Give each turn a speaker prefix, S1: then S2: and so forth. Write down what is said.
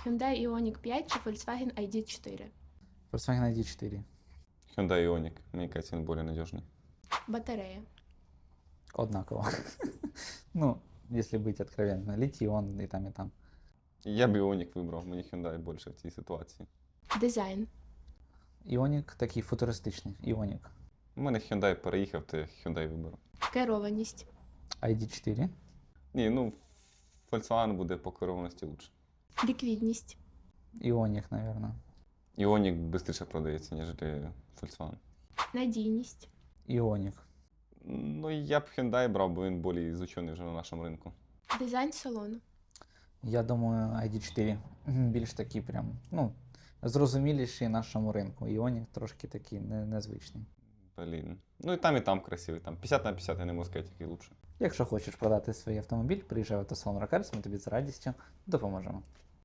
S1: Hyundai Ioniq 5 чи Volkswagen ID4?
S2: Volkswagen ID4.
S3: Hyundai Ioniq. Мне кажется, он более надежный.
S1: Батарея.
S2: Однаково. Ну, если быть откровенным, литий-ион и там, и там.
S3: Я б Ioniq вибрав, мені Hyundai більше в цій ситуації.
S1: Дизайн.
S2: Іонік такий футуристичний. Іонік.
S3: У мене Hyundai переїхав, то я Hyundai виберу.
S1: Керованість.
S2: ID4.
S3: Ні, ну, Volkswagen буде по керованості лучше.
S1: Ліквідність.
S2: Іонік, наверное.
S3: Ioniq швидше продається, ніж Volkswagen.
S1: Надійність.
S2: Іонік.
S3: Ну, я б Hyundai брав, бо він більш ізучений вже на нашому ринку.
S1: Дизайн салону.
S2: Я думаю, ID4 більш такий прям, ну, зрозуміліший нашому ринку. Іонік трошки такий незвичний.
S3: Блін. Ну і там красивий. Там 50 на 50, я не можу сказати, який лучше.
S2: Якщо хочеш продати свій автомобіль, приїжджай в автосалон Рокарс, ми тобі з радістю допоможемо.